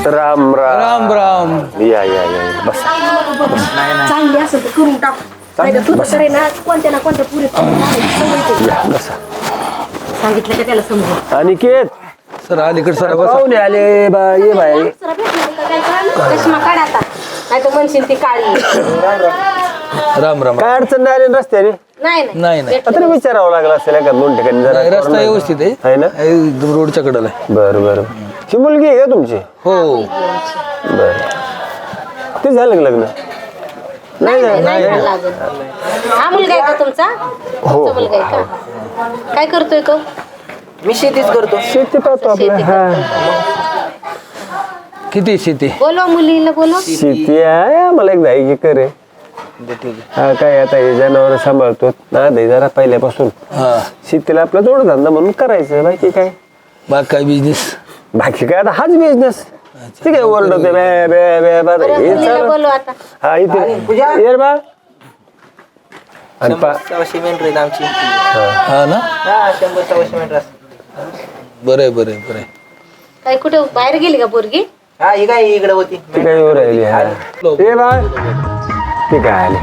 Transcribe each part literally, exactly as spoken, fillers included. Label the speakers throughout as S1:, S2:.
S1: राम राम
S2: राम राम.
S1: या या या बस
S3: चांगली असं तर करून टाक नाही तर तुझं करे ना कोणत्या ना कोणत्या पुरी
S1: या बसा
S3: सांगितलं का त्याला समजून
S1: अनिकेत
S2: सर अलीकडे सर बसा.
S1: पाहुणे आले बा ये बाई
S3: चष्मा काढ आता नाही तर म्हणशील ती काळी
S2: राम राम.
S1: काय अडचण नाही आली ना रस्त्याने
S3: नाही
S2: नाही, नाही.
S1: आता विचारावं लागलं असेल का दोन ठिकाणी जरा
S2: नाही, रस्ता व्यवस्थित आहे.
S1: आहे ना
S2: एकदम रोडच्या कडेला आहे.
S1: बरं बरं ही मुलगी आहे का तुमची
S2: हो
S1: बर ते झालं का लग्न नाही
S3: नाही
S1: झालं
S3: नाही झालं अजून. हा मुलगा आहे का तुमचा
S1: हो
S3: तुमचा मुलगा आहे का काय करतोय तो
S4: मी शेतीच करतो.
S1: शेती पाहतो आपलं
S3: शेती
S1: हा
S2: किती शेती?
S3: बोलवा मुलीला बोलवा
S1: शेती आहे आम्हाला एक दहा एकर आहे हा काय आता हे जनावर सांभाळतो ना दे जरा पहिल्यापासून
S2: हा
S1: शेतीला आपला जोडधंदा म्हणून करायचं बाकी काय
S2: बाग काय बिझनेस?
S1: बाकी काय आता हाच बिझनेस ठीक आहे ओरडते बे बे बे बे
S3: बरं,
S1: हे
S3: मुलीला
S1: चालू.
S3: बोलवा आता
S1: हा इथे ये रे बा आणि पा
S4: शंभर सव्वाशे मेंढर आहेत आमची.
S2: हा ना.
S4: हा शंभर सव्वाशे मेंढर असतात.
S2: बरं बरं बरं.
S3: काय कुठे बाहेर गेली का पोरगी
S4: हा ही काय इकडे होती.
S1: ती काय येऊ राहिली हा ये बा ती काय आले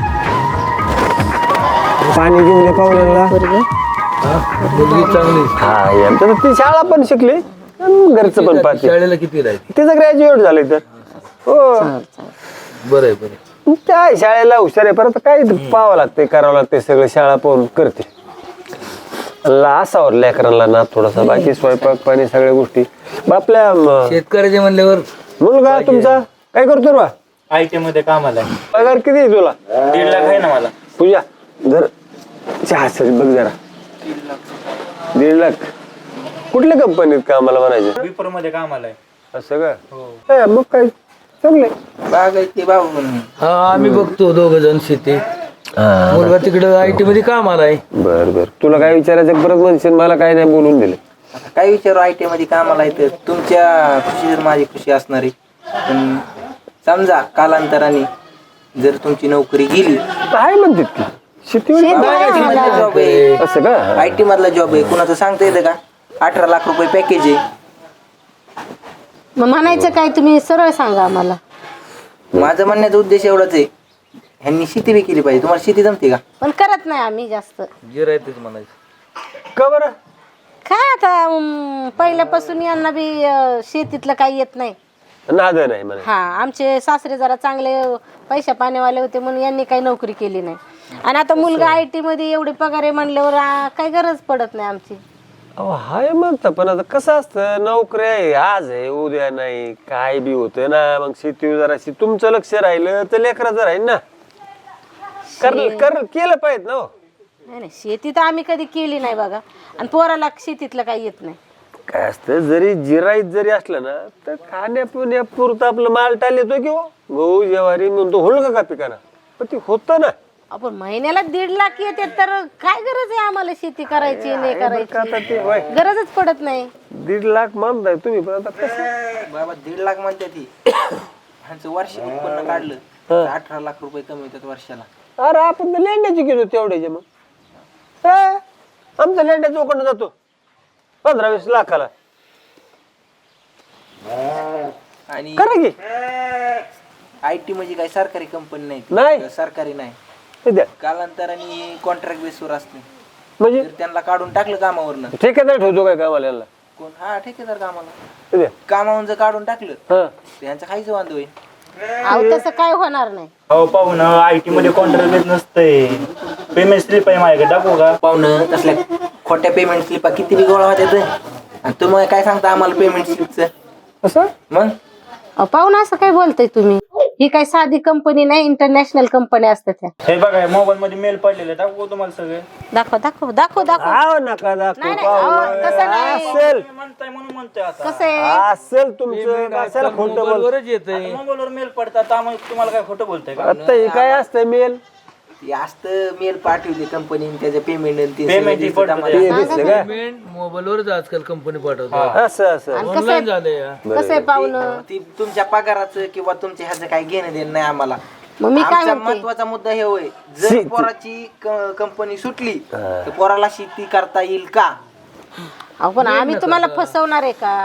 S1: पाणी घेऊन ये पाहुण्याला
S3: पोरगी
S2: मुलगी चांगली.
S1: हा ये आमच्या तर ती शाळा पण शिकली आणि घरचं पण पाहते
S2: शाळेला किती राहते?
S1: तिचं ग्रॅज्युएट झालंय तर हो
S2: बरं आहे बरं.
S1: त्या शाळेला हुशार आहे परत काय पाहावं लागतंय करावं लागतंय सगळं शाळा पाहून करते असावर लेकरांना ना थोडासा बाकी स्वयंपाक पाणी सगळ्या गोष्टी आपल्या म-
S2: शेतकऱ्याचे म्हणल्यावर
S1: मुलगा तुमचा काय करतो रे बा
S5: आय टी मध्ये कामाला आहे.
S1: पगार किती आहे तुला
S5: दीड लाख आहे ना मला.
S1: पूजा जर चहा सर बघ जरा दीड लाख कुठल्या कंपनीत कामाला म्हणायचं
S5: विप्रो मध्ये कामाला आहे.
S1: असं का हा, मग काय चांगलंय
S4: बाग आहे ती बाबू म्हणून.
S2: हा आम्ही बघतो दोघ जण शेती. मुलगा तिकडे आय टी मध्ये काम आलाय.
S1: बर बर तुला काय विचारायचं परत म्हणशील मला काय नाही बोलून दिलं
S4: आता काय विचारू आय टी मध्ये कामाला येतं तुमच्या खुशीवर माझी खुशी असणार आहे. पण समजा कालांतराने जर तुमची नोकरी गेली
S1: काय म्हणतात की शेतीवर
S4: जॉब आहे
S1: असं का
S4: आय टी मधला जॉब आहे कुणाचं सांगता येतं का अठरा लाख रुपये पॅकेज आहे.
S3: मग म्हणायचं काय तुम्ही सरळ सांगा आम्हाला
S4: माझं म्हणण्याचा उद्देश एवढाच आहे ह्यांनी शेती बी केली पाहिजे. तुम्हाला शेती जमते का?
S3: पण करत नाही आम्ही जास्त
S2: गिरायतच म्हणायचं.
S1: का बरं
S3: काय आता अं, पहिल्यापासून यांना बी अं, शेतीतलं काही येत नाही
S1: नाद नाही म्हणा
S3: हा आमचे सासरे जरा चांगले पैशा पाण्यावाले होते म्हणून यांनी काही नोकरी केली नाही आणि आता मुलगा आय टी मध्ये एवढे पगार आहे म्हणल्यावर आ, काही गरज पडत नाही आमची
S1: अहो हाय म्हणता पण आता कसं असतं नोकरी आहे आज आहे उद्या नाही काय बी होतं ना मग शेती जराशी तुमचं लक्ष राहिलं तर लेकराचं राहील ना कर कर केलं पाहिजे ना हो.
S3: नाही नाही शेती तर आम्ही कधी केली नाही बघा आणि पोराला शेतीतलं काही येत नाही
S1: काय असतं जरी जिराईत जरी असलं ना तर खाण्यापिण्यापुरतं आपलं माल टाल येतो किंवा गहू ज्वारी म्हणतो होल का पिकाना पण ते होतं ना
S3: आपण महिन्याला दीड लाख येते तर काय गरज आहे आम्हाला शेती करायची नाही
S1: आता ते
S3: करायची
S1: वय
S3: गरजच पडत नाही
S1: दीड लाख मानताय तुम्ही पण आता कसं
S4: बाबा दीड लाख म्हणते ती ह्यांचं वार्षिक उत्पन्न काढलं तर अठरा लाख रुपये कमी होतात वर्षाला.
S1: अरे आपण तर लेंड्याची गेलो तेवढ्याचे मग हा, आमचा लेंड्या चौकडनं जातो पंधरा वीस लाखाला
S4: आणि
S1: करा की
S4: आय टी म्हणजे काय सरकारी कंपनी नाही ती.
S1: नाही.
S4: सरकारी नाही
S1: हे द्या.
S4: कालांतराने कॉन्ट्रॅक्ट बेसवर असते.
S1: म्हणजे
S4: जर त्यांना काढून टाकलं कामावरनं
S1: ठेकेदार ठेवतो काय कामाला यांना
S4: कोण हा ठेकेदार कामाला
S1: हे द्या.
S4: कामावरून जर काढून टाकलं
S1: हा
S4: तर यांचं खायचं वांधव आहे.
S3: अहो तसं काय होणार नाही
S5: अहो पाहून आय टी मध्ये कॉन्ट्रॅक्ट बेस नसतंय. पेमेंट स्लिप आहे माझ्याकडे टाकू का?
S4: पाहुणं तसल्या खोट्या पेमेंट स्लिपा किती बी गोळा होत्यात आणि तुम्ही काय सांगता आम्हाला पेमेंट स्लिपचं
S1: असं
S4: मग
S3: अहो, पाहून असं काय बोलताय तुम्ही ही काही साधी कंपनी नाही इंटरनॅशनल कंपनी असतात त्या
S5: हे बघा मोबाईल मध्ये मेल पडलेले टाकू तुम्हाला सगळे.
S3: दाखव दाखव दाखव दाखव
S1: आव नका दाखवू
S3: नाही, नाही, अहो, तसं नाही.
S1: असेल
S5: तुम्ही म्हणताय म्हणून म्हणतोय आता.
S3: कसं आहे
S1: असेल तुमचं असेल खोटं बोल
S2: मोबाईलवरच येतंय.
S5: मोबाईल वर मेल पडतात त्यामुळे तुम्हाला काय खोटं बोलताय का?
S1: आता हे काय असतं मेल
S4: ती असतं मेल पाठवते कंपनी त्याचं पेमेंट
S5: Payment ही पडतं
S1: ते दिसलं का
S2: पेमेंट मोबाईलवरच आजकाल कंपनी पाठवतात.
S1: असं असं
S3: आणि कसं
S2: ऑनलाईन
S3: आहे
S2: झालंय या.
S3: कसं आहे पाहुणं
S4: ती तुमच्या पगाराचं किंवा तुमच्या ह्याचं काही घेणं देणं नाही आम्हाला.
S3: मग मी काय
S4: आमचा
S3: म्हणते
S4: महत्वाचा मुद्दा हे होय जर
S1: शेती.
S4: पोराची कंपनी सुटली तर पोराला शेती करता येईल का?
S3: अहो पण आम्ही तुम्हाला फसवणार आहे का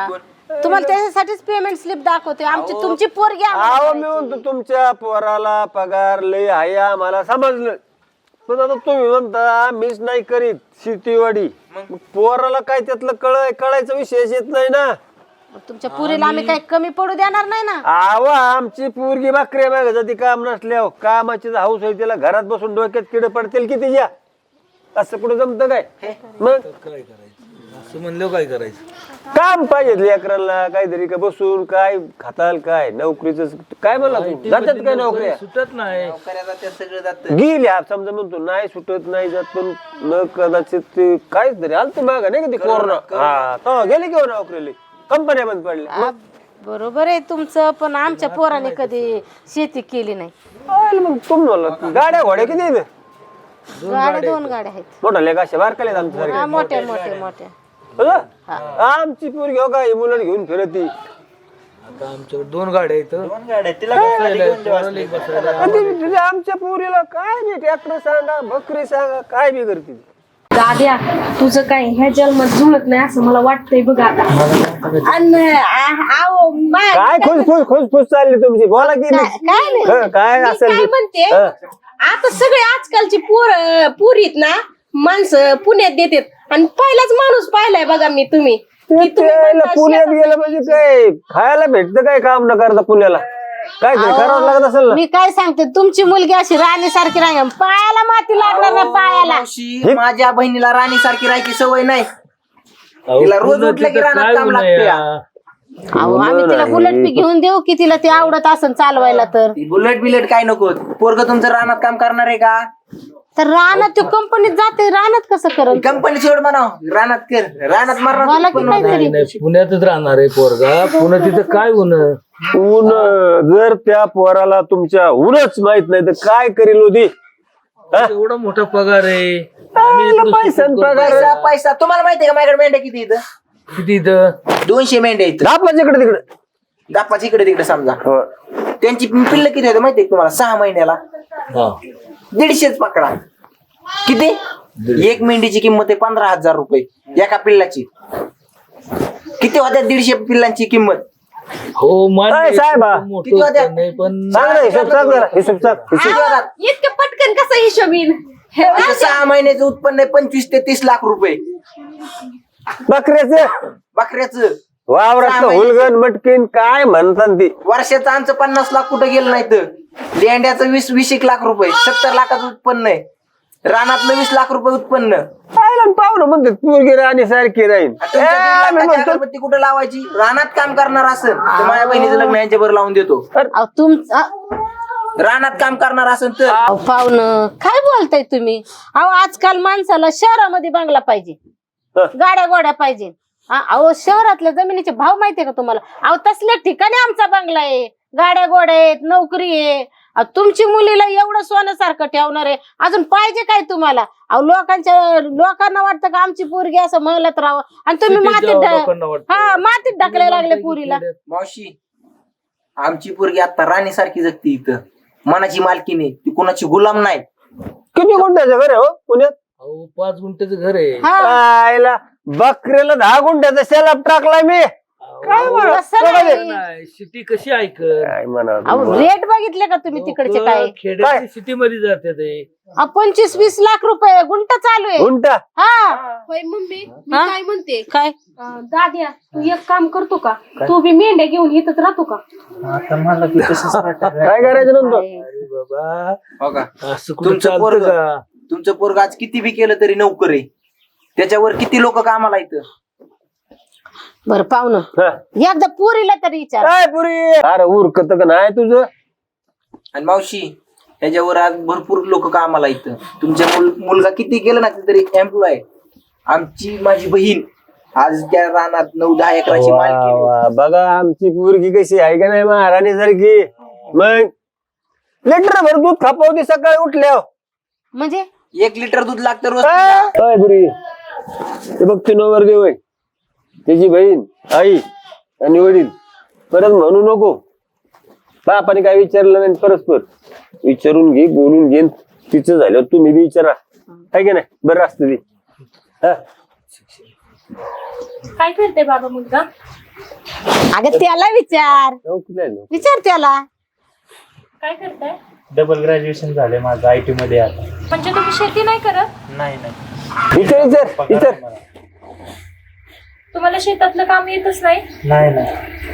S3: तुम्हाला त्याच्यासाठीच पेमेंट स्लिप दाखवते आमची तुमची पोरगी आम्हाला
S1: अहो मी
S3: करायची.
S1: म्हणतो तुमच्या पोराला पगार लय आहे आम्हाला समजलं, पण आता तुम्ही म्हणता मीच नाही करीत शेतीवाडी, मग पोराला काय त्यातलं कळ कळायचा विषयच येत नाही ना.
S3: तुमच्या पुरीला आम्ही काही कमी पडू देणार नाही ना.
S1: आव आमची पोरगी बाकऱ्या मागे जाती काम नसल्या कामाची हाऊस आहे, तिला घरात बसून डोक्यात किड पडतील की तिच्या, असं कुठं जमतं काय? मग
S2: काय करायचं असं म्हणलं काय करायचं?
S1: काम पाहिजे लेकरांना काहीतरी का बसून काय खाताल काय नोकरीच काय म्हणला तू जातात काय नोकऱ्या
S2: सुटत नाही.
S4: नोकऱ्याला ते सगळं जातं.
S1: गेली हा समजा म्हणतो नाही सुटत नाही जात, पण न कदाचित ते काहीच तरी आलं माग नाही का ते कोरोना, हा तेव्हा गेले किंवा नोकरीला कंपन्या बंद पडल्या.
S3: आ, बरोबर आहे तुमचं, पण आमच्या पोराने कधी शेती केली नाही.
S1: आलं मग तुम्हाला गाड्या घोड्या किती आहेत?
S3: गाड्या दोन गाड्या आहेत.
S1: मोठा लेख अशा बारकाले आमच्या
S3: हा, मोठ्या मोठ्या मोठ्या.
S1: सारख्या आमची पोरगी हो काय मुलं घेऊन फिरती.
S2: आता आमच्याकडे दोन गाड्या आहेत.
S5: दोन गाड्या तिला काय घेऊन देऊ असले?
S1: आणि ती- तिच्या आमच्या पोरीला काय बी ट्रॅक्टर सांगा बकरी सांगा काय बी करते ती.
S6: दाद्या तुझं काय ह्या जन्मात जुळत नाही असं मला वाटतंय बघ आता. आणि आ- आहो, मा-
S1: काय खुश खुश खुश खुश चालली तुमची बोला की
S3: काय नाही.
S1: हं, काय
S6: मी
S1: असेल
S6: काय
S1: ते.
S6: म्हणते
S1: हं.
S6: आता सगळे आजकालची पोर पुरीत ना माणसं पुण्यात देतात आणि पहिलाच माणूस पाहिलाय बघा मी तुम्ही की तुम्ही
S1: त्याला
S6: म्हणता
S1: पुण्यात
S6: शेतात
S1: गेलं म्हणजे काय खायला भेटतं काय काम न करता पुण्याला काय तरी करावं लागत असेल ना.
S3: मी काय सांगते तुमची मुलगी अशी राणी सारखी राही पायाला माती लागणार नाही पायाला.
S4: मावशी, माझ्या बहिणीला राणी सारखी राहायची सवय नाही.
S2: अहो,
S4: तिला रोज
S2: पुन्हा
S4: उठलं की
S2: तिथं
S4: रानात
S2: काय
S4: काम
S2: गुन्हा
S4: लागते
S2: या?
S3: अहो आम्ही तिला बुलेट बी घेऊन देऊ की तिला ते आवडत असेल चालवायला तर.
S4: ती बुलेट बिलेट काय नको, पोरग तुमचं रानात काम करणार आहे का?
S3: तर रानात तो कंपनीत जाते रानात कसं करल?
S4: कंपनी सोड म्हणाव, रानात कर, रानात
S3: मला
S4: मारणार
S3: की काहीतरी
S2: नाही, पुण्यातच राहणार आहे पोरगा. पुन्हा तिथं काय होणं?
S1: ऊन जर त्या पोराला तुमच्या ऊनच माहित नाही तर काय करील होती.
S2: एवढा मोठा पगार आहे.
S1: आईला पैसा न पगार.
S4: पैसा पैसा तुम्हाला माहितीये का माझ्याकडे मेंढ्या किती इथं?
S2: किती इथं?
S4: दोनशे मेंढ्या इथं.
S1: आपला इकडे तिकडे
S4: गापाची इकडे तिकडे समजा.
S1: हो.
S4: त्यांची पिल्ल किती होते माहितीये का तुम्हाला? सहा महिन्याला
S2: हा.
S4: दीडशेच पकडा. किती? एक मेंढीची किंमत आहे पंधरा हजार रुपये एका पिल्लाची. किती होत्या दीडशे पिल्लांची किंमत?
S2: हो मान्य
S1: काय
S2: आहे,
S1: साहेब, हा?
S2: मोठं
S4: किती होत्या?
S2: होतं नाही पण
S1: सांग ना हिशोब सांग जरा हिशोब सांग हिशोब.
S4: किती होतात?
S6: इतकं पटकन कसं हिशोबीन हे
S4: असं सहा महिन्याचं उत्पन्न आहे पंचवीस ते तीस लाख रुपये
S1: बकऱ्याचं
S4: बकऱ्याचं.
S1: वावरात हुलगण मटकीन काय म्हणतात ती.
S4: वर्षाचं आमचं पन्नास लाख कुठं गेलं नाही तर लेंड्याचं वीस वीस एक लाख रुपये सत्तर लाखाचं उत्पन्न आहे. रानातलं वीस लाख रुपये उत्पन्न.
S1: पाहिलं पाहुणं म्हणतात पोरगी राणी सारखी राहील.
S4: आणि तुमच्या दीड लाखाची अगरबत्ती कुठं लावायची? रानात काम करणार असेल तर माझ्या बहिणीचं लग्न यांच्या बरोबर लावून देतो.
S3: अहो तुमचं
S4: रानात काम करणार असेल तर
S3: अहो पाहुणं काय बोलताय तुम्ही? अहो आजकाल माणसाला शहरामध्ये बंगला पाहिजे, गाड्या गोड्या पाहिजे. हा, अहो शहरातल्या जमिनीचे भाव माहितीये का तुम्हाला? अहो तसल्या ठिकाणी आमचा बंगला आहे, गाड्या गोड्या आहेत, नोकरी आहे. अहो, तुमची मुलीला एवढं सोन्यासारखं ठेवणार आहे, अजून पाहिजे काय तुम्हाला? अहो लोकांच्या लोकांना वाटतं का आमची पोरगी असं म्हणत राहावं आणि तुम्ही
S2: किती
S3: मातीत
S2: जावं
S3: ढ-
S2: लोकांना वाटतं.
S3: हा मातीत ढकलायला लागले पुरीला.
S4: मावशी आमची पोरगी आता राणी सारखी जगती इथं. मनाची मालकीने ती कुणाची गुलाम नाही.
S1: किती गुंठ्याचं घर आहे हो पुण्यात?
S2: अहो पाच गुंठ्याचं घर आहे.
S3: हा
S1: आयला बकऱ्याला दहा गुंठ्याचा शेलाप टाकलाय मी. काय म्हणा
S3: तसं नाही.
S2: नाही सिटी कशी ऐकत?
S1: काय म्हणा
S3: अहो रेट बघितले का तुम्ही तिकडचे काय?
S2: खेड्याची सिटी मध्ये जाते ते.
S3: अहो, पंचवीस वीस लाख रुपये गुंठा चालू आहे.
S1: गुंठा
S3: हा
S6: होय मम्मी मी
S3: हा?
S6: काय म्हणते
S3: काय
S6: अं, दाद्या तू एक काम करतो का? तू बी मेंढ्या घेऊन इथंच राहतो का?
S4: आता मला की तसंच वाटतं.
S1: काय करायचं नंतर?
S2: अरे बाबा
S4: हो का?
S2: असं कुठं
S4: तुमचं
S2: चालतं
S4: पोरग
S2: का?
S4: तुमचं पोरग आज किती बी केलं तरी नोकर आहे. त्याच्यावर किती लोक कामाला येतं.
S3: बरं पाहुणं
S1: हा.
S3: एकदा पुरीला तरी विचार.
S1: काय पुरी अरे उरकत का नाही तुझं?
S4: आणि मावशी ह्याच्यावर आज भरपूर लोक कामाला येतं. तुमच्या मुल- मुलगा किती केलं ना तरी एम्प्लॉय. आमची माझी बहीण आज त्या रानात नऊ दहा एकराची
S1: वा,
S4: मालकी आहे.
S1: वा. बघा आमची पोरगी कशी आहे का नाही महाराणी सारखी. मग लिटर भर दूध खापावती सकाळी उठल्या.
S3: म्हणजे
S4: एक लिटर दूध लागतं रोज तिला.
S1: काय पुरी ते बघ ते नवरदेव आहे, त्याची बहीण आई आणि वडील. परत म्हणू नको बापाने काय विचारलं नाही. परस्पर विचारून घे बोलून घे. तिचं झालं तुम्ही बी विचारा आहे की नाही. बरं असतं ते. हा
S7: काय करते बाबा मुलगा?
S3: अगं त्याला विचार
S1: नोकरी आहे ना.
S3: विचार त्याला.
S7: काय करताय?
S5: डबल ग्रॅज्युएशन झाले माझं आय टी मध्ये आता.
S7: म्हणजे तुम्ही शेती नाही करत?
S5: नाही नाही
S1: विचार विचार
S5: पगार
S1: विचार
S5: आहे मला.
S7: तुम्हाला शेतातलं काम येतच नाही?
S5: नाही नाही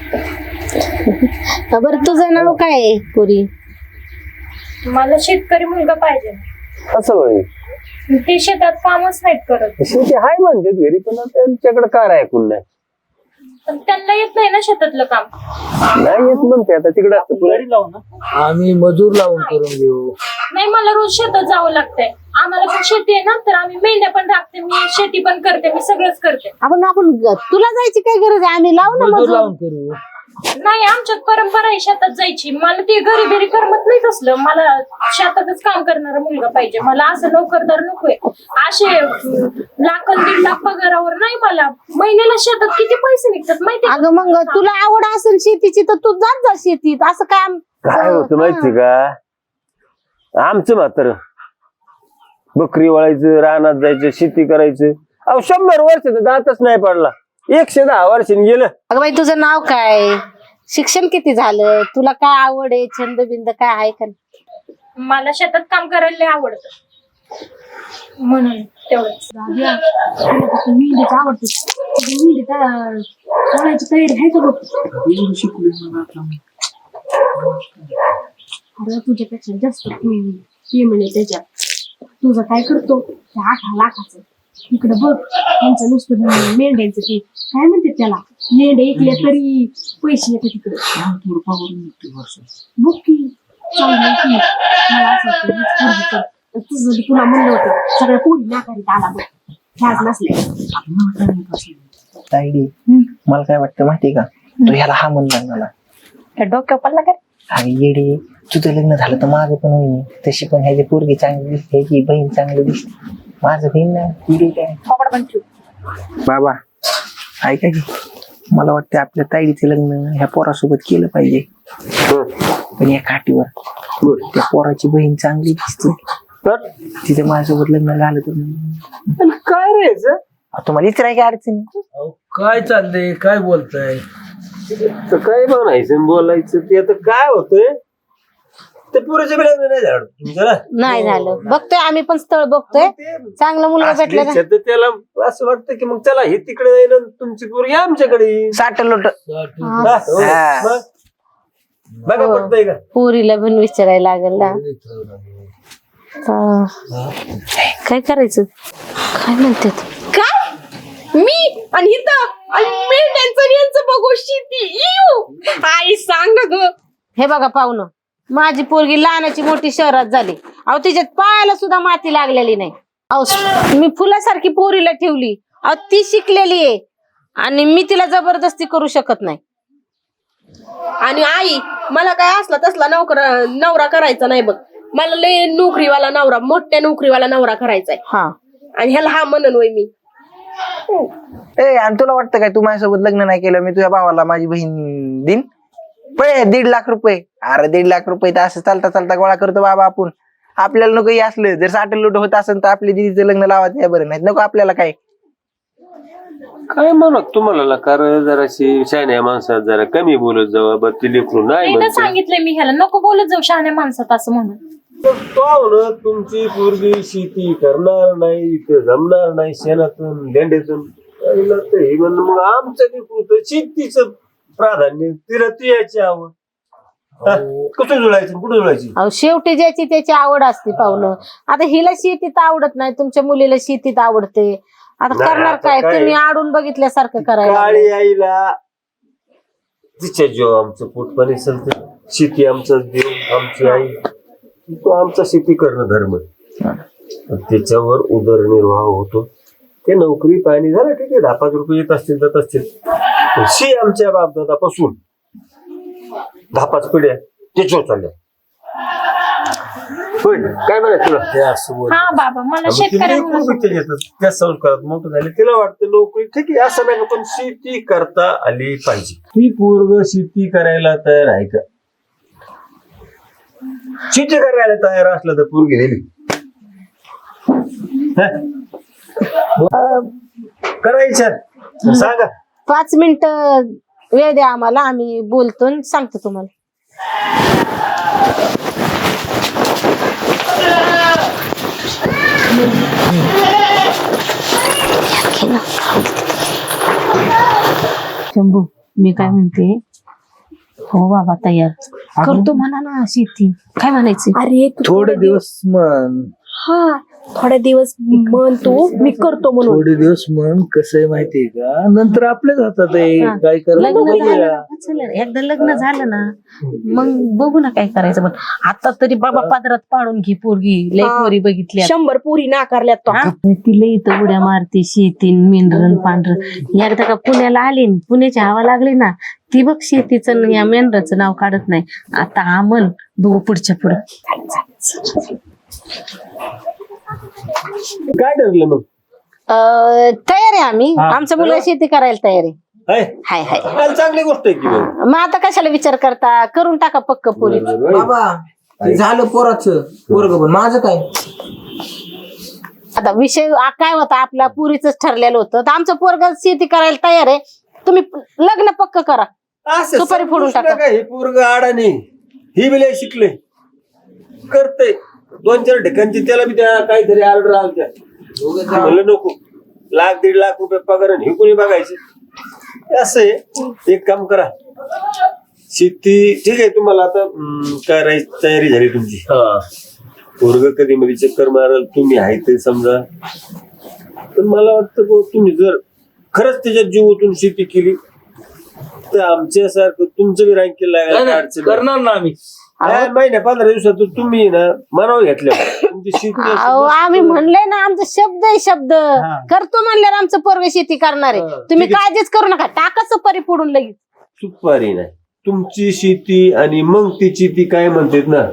S3: बरं तुझं नाव काय आहे पुरी?
S7: मला शेतकरी मुलगा पाहिजे.
S1: असं होय.
S7: ते शेतात कामच नाहीत करत.
S1: शेती हाय म्हणते घरी पण त्यांच्याकडे कार ऐकून नाही
S7: पण त्यांना येत नाही ना शेतातलं काम.
S1: नाही येत म्हणते आता तिकडे असतं पुढे.
S5: गाडी लावू ना.
S2: आम्ही मजूर लावून करून घेऊ.
S7: नाही मला रोज शेतात जावं लागतंय. आम्हाला पण शेती आहे ना, तर आम्ही मेंढ्या पण राखते, मी शेती पण करते, मी सगळंच करते.
S3: आपण आपण तुला जायची काय गरज आहे? आम्ही लावू ना
S2: मजूर
S3: मजूर.
S2: लावून करू.
S7: नाही आमच्यात परंपरा आहे शेतात जायची. मला ते घरी घरी करमत नाही तसलं. मला शेतातच काम करणारा मुलगा पाहिजे. मला असं नोकरदार नकोय. असे अं, लाख अन् दीड लाख पगारावर नाही. मला महिन्याला शेतात किती पैसे निघतात माहिती
S3: अगं मग तुला आवड असेल शेतीची तर तू जात जा शेतीत. असं काय आम-
S1: काय होतं माहिती का, आमचं मात्र बकरी वळायचं, रानात जायचं, शेती करायचं. अहो शंभर वर्ष दातच नाही पडला. एकशे दहा वर्षांनी गेलं.
S3: अगं बाई तुझं नाव काय? शिक्षण किती झालं? तुला काय आवड आहे? छंद बिंद काय आहे का?
S7: मला शेतात काम करायला लय आवडतं म्हणून तेवढंच.
S6: मेंढीच आवडते. मेंढी सोडायची तयारी आहे का बघ? अरे तुझ्यापेक्षा जास्त पेमेंट आहे त्याच्यात. तुझं काय करतो त्या आठ लाखाचं इकडं बघ. त्यांचं नुसतं मेंढ्यांचं ते काय म्हणते त्याला, मेंढ्या ऐकल्या तरी पैसे येतात तिकडे. बघ की चांगलं की मला असं वाटतं हीच पोरगी कर. आणि तुझं बी तुला म्हणलं होतं सगळ्या पोरी नाकारीत आला बघ ह्याच नसल्या.
S4: ताईडी मला काय वाटतं माहितीये का, तू ह्याला हा म्हणणार मला.
S3: डोक्या पडला काय?
S4: अरे येडे, तुझं लग्न झालं तर माझं पण होईल. तशी पण ह्याची पोरगी चांगली दिसते, ह्याची बहीण चांगली दिसते. माझं बहीण ना येडे काय. बाबा ऐका की, मला वाटतं आपल्या ताईडीचं लग्न ह्या पोरासोबत केलं पाहिजे. पण या काठीवर त्या पोराची बहीण चांगली दिसते,
S1: तर
S4: तिथं माझ्यासोबत लग्न झालं तर
S1: पण काय रे याचं?
S4: अहो, तुम्हाला इतर काय अडचण आहे?
S2: अहो, काय चाललंय? काय बोलताय?
S1: तर काय म्हणायचं बोलायचं ते आता काय होतंय, ते पुरेच्या लग्न नाही झालं तुमचं ना.
S3: नाही झालं. बघतोय आम्ही पण स्थळ बघतोय. चांगला मुलगा भेटला
S1: असली तर त्याला असं वाटतं की मग चला हे तिकडे जाईन आणि तुमची पोरगी आमच्याकडे येईल.
S4: साठ लोट
S1: हा, हो.
S4: हा.
S1: मग बघा पडतंय का?
S3: पोरीला पण विचारायला लागेल ना. हा. काय करायचं? काय म्हणतात?
S6: काय मी आणि इथं आणि मेंढ्यांचं आणि यांचं बघू शेती. इऊ. आई सांग ना ग.
S3: हे बघा पाहुणं, माझी पोरगी लहानाची मोठी शहरात झाली. अहो तिच्यात पायाला सुद्धा माती लागलेली नाही. अहो मी फुलासारखी पोरीला ठेवली. अहो ती शिकलेली आहे आणि मी तिला जबरदस्ती करू शकत नाही.
S6: आणि आई मला काय असला तसला नोकर नवरा करायचा नाही बघ. मला लय नोकरीवाला नवरा, मोठ्या नोकरीवाला नवरा करायचाय.
S3: हा
S6: आणि ह्याला हा म्हणन वय मी.
S4: ए आणि तुला वाटतं काय तू माझ्यासोबत लग्न नाही केलं मी तुझ्या भावाला माझी बहीण दिन पै दीड लाख रुपये. अरे दीड लाख रुपये तर असं चालता चालता गोळा करतो बाबा आपण. आपल्याला नको हे असलं. जर साठ लुट होत असेल तर आपल्या दिदीचं लग्न लावायचं बरं नाही नको आपल्याला. काय
S1: काय म्हणत तुम्हाला कारण जराशी शहाण्या माणसात जरा कमी बोलत जावं. बरं ती लेकरू नाही
S7: एकदा
S1: म्हणते.
S7: सांगितलंय मी ह्याला नको बोलत जाऊ शहाण्या माणसात असं म्हणून.
S1: तो ना तुमची पोरगी शेती करणार नाही, इथे जमणार नाही शेणातून लेंड्यातून. हे म्हणणं मग आमचं लेकरू तर शेतीचं प्राधान्य, तिला ती याची आवड. हा, कुठं जुळायचं कुठं जुळायची?
S3: अहो शेवटी ज्याची त्याची आवड असते पाहुणं. आता हिला शेतीत आवडत नाही, तुमच्या मुलीला शेतीत आवडते. आता
S1: नाही,
S3: करणार
S1: आता
S3: काय?
S1: काय?
S3: तुम्ही आडून बघितल्यासारखं करायला
S1: काळी
S3: लागले.
S1: आईला तिच्या जीव आमचं पोट पाणी चालतं. शेती आमचा देव, आमची आई. तो आमचा शेती करणं धर्म आहे. त्याच्यावर उदरनिर्वाह होतो. ते नोकरी पाणी झालं ठीक आहे, दहा पाच रुपये येत असतील जात असतील. शी आमच्या बापदादापासून दहा पाच पिढ्या त्याच्यावर चालल्या. होय काय म्हणायचं तुला? ते असं बोल.
S7: हा बाबा मला शेतकऱ्या मुलाचं-
S1: त्या संस्कारात मोठं झाले, तिला वाटतं नोकरी ठीक आहे असं नाही, पण शेती करता आली पाहिजे. ती पूर्व शेती करायला तयार आहे का? शेती करायला तयार असलं तर पोरगी दिली. करा विचार सांगा.
S3: पाच मिनिट वेळ द्या आम्हाला, आम्ही बोलतो आणि सांगतो तुम्हाला. शंभू, मी काय म्हणते, हो बाबा तयार करतो म्हणा ना शेती. काय म्हणायचं?
S6: अरे तू
S2: थोडे दिवस मन
S6: हा थोडे दिवस म्हण तू, मी करतो म्हणून.
S2: थोडे दिवस मन कसं आहे माहितीये का, नंतर आपल्याच हातात आहे
S3: हा.
S2: काय
S3: लग्न झालं
S2: करायचं.
S3: ना, चला, एकदा लग्न झालं ना मग बघू ना काय करायचं. पण आता तरी बाबा पादरात पाडून घे पोरगी, लय
S6: हा.
S3: पोरी बघितल्या.
S6: शंभर पुरी नाकारल्यात तो.
S3: हा? तिला इथं उड्या मारते, शेतीन मेंढरण पांढरं. एकदा का पुण्याला आली न पुण्याची हवा लागली ना, ती बघ शेतीचं न या मेंढराचं नाव काढत नाही. आता हा म्हण बघू पुढच्या पुढं.
S1: काय ठरलं मग?
S3: अं, तयार आहे आम्ही, आमचा मुलगा शेती करायला तयार आहे.
S1: हाय
S3: हाय हाय.
S1: काल चांगली गोष्ट आहे की मग.
S3: मग आता कशाला विचार करता, करून टाका पक्क पुरी.
S4: बाबा ते झालं पोराचं पोरग, पण माझं काय?
S3: आता विषय आ- काय होता आपला, पुरीच ठरलेलं होतं. तर आमचं पोरग शेती करायला तयार आहे, तुम्ही लग्न पक्क करा.
S1: असं
S3: सुपारी फोडून
S1: समजूच
S3: टाका.
S1: नका, हे पोरग अडाणी, ही बी लय शिकले, करते दोन चार ठिकाणची, त्याला बी त्या काहीतरी ऑर्डर आलत्या. म्हणलं नको, लाख दीड लाख रुपये पगार आणि हे कोणी बघायचे. असं आहे, एक काम करा, शेती ठीक आहे तुम्हाला आता हम्म, करायची तयारी झाली तुमची. पोरग कधी मध्ये चक्कर मारल, तुम्ही आहे ते समजा. पण मला वाटतं बुवा, तुम्ही जर खरंच त्याच्यात जीव ओतून शेती केली तर आमच्यासारखं तुमचं बी रँकिंग लागायला काय अडचण नाही.
S2: करणार ना आम्ही.
S1: या महिन्या पंधरा दिवसात तुम्ही ना मनावर घेतल्या तुमची शेती अशी
S3: अहो,
S1: मस्त-
S3: आम्ही म्हणलंय ना, आमचा शब्द आहे शब्द. करतो म्हणल्यावर आमचं पोरग शेती करणार आहे. तुम्ही काळजीच करू नका, टाका सुपारी फोडून लगेच.
S1: सुपारी नाही, तुमची शेती आणि मग तिची ती काय म्हणतात ना,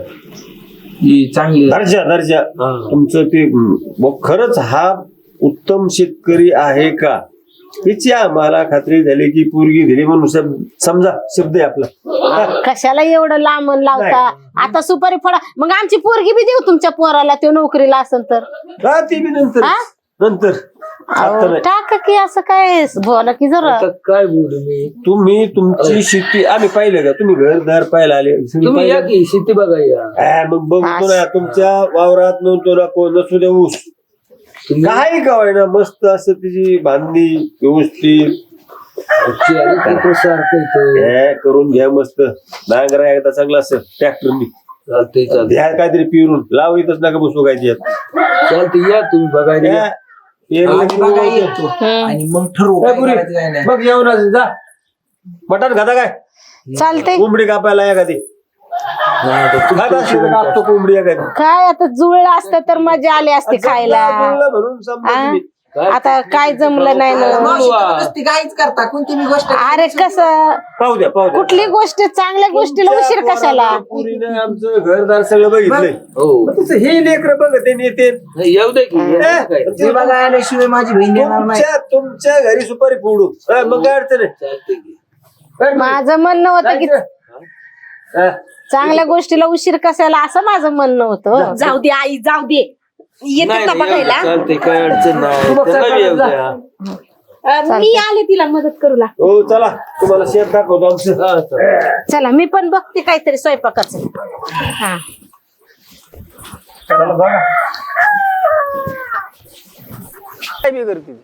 S2: ही चांगली
S1: दर्जा दर्जा तुमचं ते हम्म, मग खरंच हा उत्तम शेतकरी आहे का याची आम्हाला खात्री झाली की पोरगी दिली म्हणून शब- समजा शब्द आहे आपला.
S3: कशाला एवढं लांबून लावता? आता सुपारी फोडा, मग आमची पोरगी बी देऊ तुमच्या पोराला, तो नोकरीला असेल तर.
S1: हा ती बी नंतर
S3: हा?
S1: नंतर आता
S3: अहो,
S1: नाही.
S3: टाका की, असं काय बोला की जरा.
S2: आता काय बोलू मी.
S1: तुम्ही तुमची शेती आम्ही पाहिलं का, तुम्ही घरदार पाहायला आले
S2: तुम्ही या की शेती बघा या.
S1: हा, मग बघतो ना तुमच्या वावरात नव्हतो ना कोण नसू द्या ऊस
S2: तुम्ही
S1: काही काय ना, मस्त असं तिची बांधणी व्यवस्थित
S2: सारखं इथं.
S1: हे करून घ्या, मस्त नांगरा एकदा चांगला असं ट्रॅक्टरनी
S2: चालतंय चालतंय
S1: द्या, काहीतरी पिरून लाव, इथंच नका बसू काय त्यात.
S2: चालतंय या तुम्ही बघायला या.
S1: द्या, पेरलं
S4: आम्ही
S1: की
S4: बघायला
S1: मग-
S4: येतो
S3: हम्म.
S4: आणि मग ठरवू
S1: काय
S4: काय
S1: पुरी?
S4: करायचं काय नाही.
S1: मग येऊन आज जा, मटण खाता काय,
S3: चालतंय.
S1: कोंबडी कापायला एखादी
S2: नाही, आता तुमच्या
S1: खात असली तर
S2: हिशोबाने
S1: कापतो कोंबडी एखादी.
S3: काय आता जुळलं असतं तर मजा आली असती खायला.
S1: जुळलं म्हणून समजा
S3: आ?
S1: तुम्ही.
S3: आता काय जमलं नाही ना.
S4: मावशी तर नुसती गाईच करता, कोणती मी गोष्ट
S3: अरे कसं,
S1: पाहू द्या पाहू द्या.
S3: कुठली गोष्ट चांगल्या गोष्टीला उशीर
S1: तुमच्या
S3: कशाला?
S1: पोराला पोरीनं आमचं घरदार सगळं बघितलंय.
S2: हो
S1: मग तसं हे लेकर बघत येते.
S2: नाही, येऊ दे की येऊ दे काय.
S4: ते बघा आल्याशिवाय माझी बहीण येणार नाही.
S1: तुमच्या तुमच्या घरी सुपारी फोडू हा, मग काय अडचण आहे.
S2: चालतंय की.
S1: काय
S3: माझं म्हणणं होतं की
S1: जायचं? हा.
S3: चांगल्या गोष्टीला उशीर कशाला, असं माझं म्हणणं होतं.
S6: जाऊ दे आई, जाऊ दे. येतात
S2: नाही,
S6: ना
S2: नाही, येऊ दे,
S6: बघायला.
S2: चालतंय काय अडचण नाही.
S1: तू बघ
S2: त्यांना बी येऊ
S1: जा.
S2: द्या.
S6: अं, मी आले तिला मदत करूला.
S1: हो चला, तुम्हाला शेत दाखवतो आमचं.
S2: हा, चालतंय.
S3: चला मी पण बघते काहीतरी स्वयंपाकाचं. हा,
S1: चला बघा. काय बी करते